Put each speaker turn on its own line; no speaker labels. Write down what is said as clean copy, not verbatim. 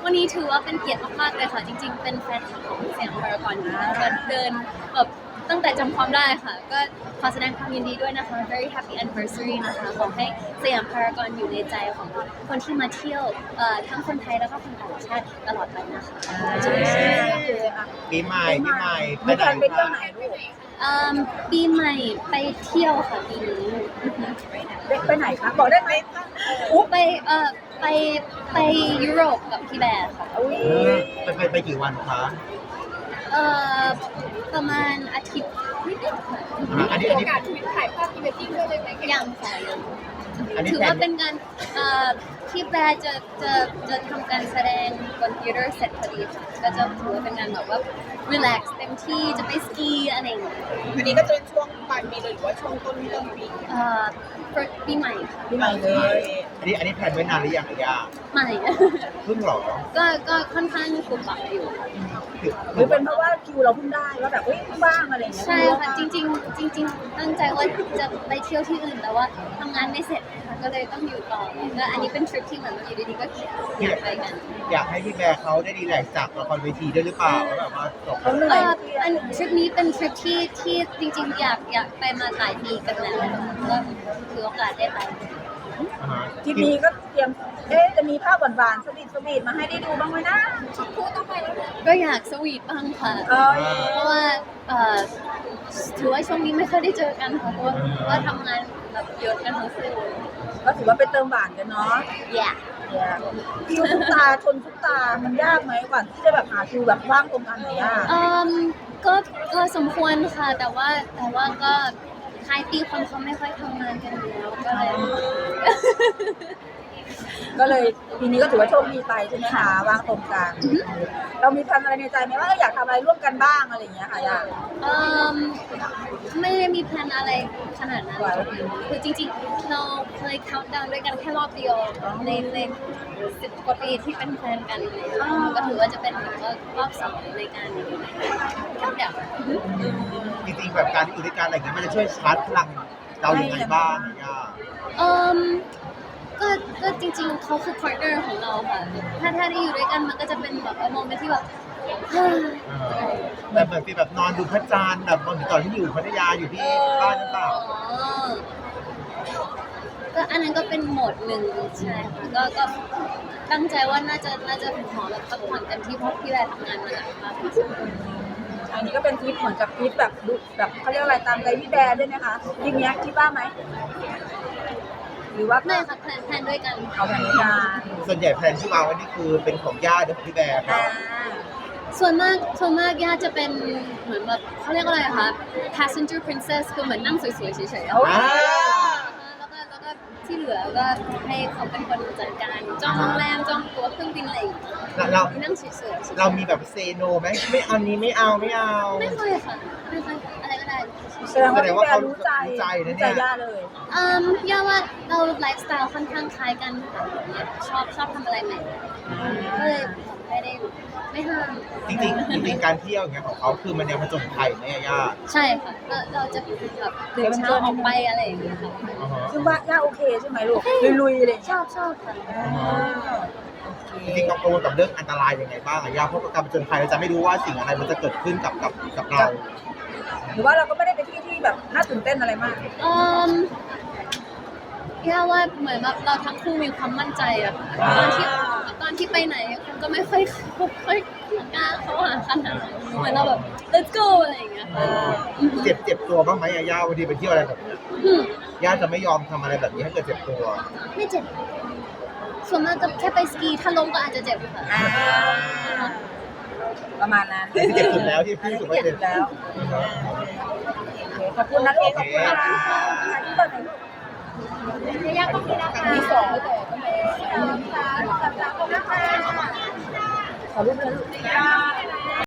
วันนี้ถือว่าเป็นเกียรติมากๆเลยค่ะจริงๆเป็นแฟนคลับของสยามพารากอนอยู่แล้วก็เดินแบบตั้งแต่จำความได้ค่ะก็ขอแสดงความยินดีด้วยนะคะ very happy anniversary นะคะขอให้สยามพารากอนอยู่ในใจของคนที่มาเที่ยวทั้งคนไทยแล้วก็คนต่างชาติตลอดไปนะคะ
ปีใหม่ไป
มี
ไหน
การไปเที่ยวไหน
คะ
ลูก
ปีใหม่ไปเที่ยวค่ะปีนี้
ไปไหนคะบอกได้ไหม
ไปยุโรปกับพี่แบร์ค่ะ
อุ้ย
ไปกี่วันคะ
ประมาณอาทิตย์นิดๆค่ะ
อันนี้
ถ่ายภาพพรีเวดดิ้งด้วยเลยไหม
ยังค่ะยัง
อันนี้
ถือ
แพล
ว่าน เป็นการที่แบร์จะทำการแสดงบนธีเตอร์เสร็จพอดีค่ะก็จะถือว่าเป็นงานแบบว่า relax เต็มที่จะไปสกีอะไรอย่างเงี้ย
อันนี้ก็จะเป็นช่วงปลายปีเลยหรือว่าช่วงต้นปี
ปีใหม่ค่ะ
ที่ไหนเลย
อันนี้แพลนไว้นานหรือยังอะย่า
ใหม่
เพิ่งเหรอ
ก็ค่อนข้างกลุ่มบักอยู่
หรือเป็นเพราะว่าคิวเราเพิ่งได้ว่าแบบเฮ้ยเพิ่งว่างอะไรอย่างเงี้ย
ใช่ค่ะจริงๆตั้งใจว่าจะไปเที่ยวที่อื่นแต่ว่าทำงานไม่เสร็จค่ะก็เลยต้องอยู่ต่อก็อันนี้เป็นทริปที่เหมือนอยู่ดีๆก็อยากไปกัน
อยากให้พี่แบร์เขาได้รีแลกซ์จากละครเวทีด้วยหรือเปล่าแล้วแบบว่าจบ
เขาเหนื่อย
อันทริปนี้เป็นทริปที่จริงๆอยากไปมาหลายปีกันแล้วก็ถือโอกาสได้ไป
อ่าฮะ
ทีนี้ก็เตรียมจะมีภาพหวานๆสวีทมาให้ได้ดูบ้างไหมนะ
คู่ต้องไปแล้วนะ
ก็อยากสวีทบ้างค่ะ เพราะว่าถือว่าช่วงนี้ไม่ค่อยได้เจอกันค่ะเพราะว่าทำงานแบบเยอะกันทั้งคู่
ก็ถือว่าเป็นเติมหวานกันเนาะ
อยาก
คิวทุกตาชนทุกตามันยากไหมกว่าที่จะแบบหาคิวแบบว่างตรงกันไหนยาก
ก็สมควรค่ะ แต่ว่าก็ท้ายปีคนเขาไม่ค่อยทำงานกันอยู่แล้วก็เลย
ก็เลยปีนี้ก็ถือว่าโชคดีไปใช่ไหมคะว่างตรงกันเรามีแผนอะไรในใจไหมว่าอยากทำอะไรร่วมกันบ้างอะไรอย่างเงี้ยค่ะยาก
ไม่ได้มีแพลนอะไรขนาดนั้นคือจริงๆเราเคย count down ด้วยกันแค่รอบเดียวใน10 กว่าปีที่เป็นแฟนกันเลยก็ถือว่าจะเป็นแบบว่ารอบ2ในการ count down
จริงๆแบบการที่อยู่ด้วยกันอะไรอย่างเงี้ยมันจะช่วยชาร์จพลังเราอย่างไรบ้างอะย่า
ก็จริงๆเขาคือ partner ของเราค่ะ ถ้าได้อยู่ด้วยกันมันก็จะเป็นแบบโมเมนต์ที่แบบ
แบบเหมือนฟีลแบบนอนดูพระจันทร์แบบตอนที่อยู่พัทยาอยู่ที่บ้านหรือเปล่า
ก็อันนั้นก็เป็นโหมดหนึ่งใช่ค่ะก็ตั้งใจว่าน่าจะขอแบบพักผ่อนกันที่เพราะพี่แวร์ทำงานมาหนักมาก
อันนี้ก็เป็นทริปเหมือนกับทริปแบบดูแบบเขาเรียกอะไรตามใจพี่แบร์ด้วยไหมคะทริปเนี้ยคิดว่าไหมหรือว่า
ไม่ค่ะแพลนด้วยกัน
เอาแผนการ
ส่วนใหญ่แพลนที่วางไว้นี่คือเป็นของย่าหรือของพี่แบร์ครั
อ่า
บ
ส่วนมากย่าจะเป็นเหมือนแบบเขาเรียกอะไรอะคะ passenger princess คือเหมือนนั่งสวยๆเฉยๆ
โอ้ย
แล้วก็ที่เหลือก็ให้เขาเป็นคนจัดการจองโรงแรมจองตั๋วเครื่องบินอะไรอย่างเงี้ย
เรา
นั่งเฉยๆ
เรามีแบบเซโนไหมไม่เอานี้ไม่เอา
ไม่ค่อยค่ะไม่ค่อยอะไรก็ได้
แสดงว่าพี่แบร์รู้ใจ
รู้ใจนะ
รู้
เนี่
ใจ
ย
ย่าเลย
ย่าว่าเราไลฟ์สไตล์ค่อนข้างคล้ายกันค่ะชอบทำอะไรใหม่ก็เลยไม่ห้าม
จริงๆการเที่ยวอย่างเงี้ยของเขาคือมันแนวผจญภัยไหมอะย่า
ใช่ค่ะเราจะแบบตื่นเช้าออกไปอะไรอย่างเงี้ยค่ะ
อ่าฮะ
ซึ่งว่าย่าโอเคใช่ไหมลูกลุยๆเลย
ชอบค่ะ
จริงๆกังวลกับเรื่องอันตรายยังไงบ้างอะย่าเพราะการผจญภัยเราจะไม่รู้ว่าสิ่งอะไรมันจะเกิดขึ้นกับเรา
หรือว่าเราก็ไม่ได้ไปที่แบบน่าตื่นเต้นอะไรมาก
ย่าว่าเหมือนแบบเราทั้งคู่มีความมั่นใจอะตอนที่ไปไหนคนก็ไม่ค่อยกล้าเข้าหาขนาดนั้นเหมือนเราแบบ let's go อะไรอย่างเงี้ยค่ะ
เจ็บตัวบ้างไหมอะย่าวันทีไปเที่ยวอะไรแบบนี้ย่าจะไม่ยอมทำอะไรแบบนี้ให้เกิดเจ็บตัว
ไม่เจ็บส่วนมากก็แค่ไปสกีถ้าล้มก็อาจจะเจ็บค่ะ
ประมาณนั้น
ที่เจ็บสุดแล้วที่พี่รู้สึกว่าเจ็บ
แล้ว ขอบคุณนะลูกขอบคุณนะคะที่เปิดไหนลูก
ยากก็มีนะคะมีสองแต่ก็ไม่
ขอรูปเลยลูก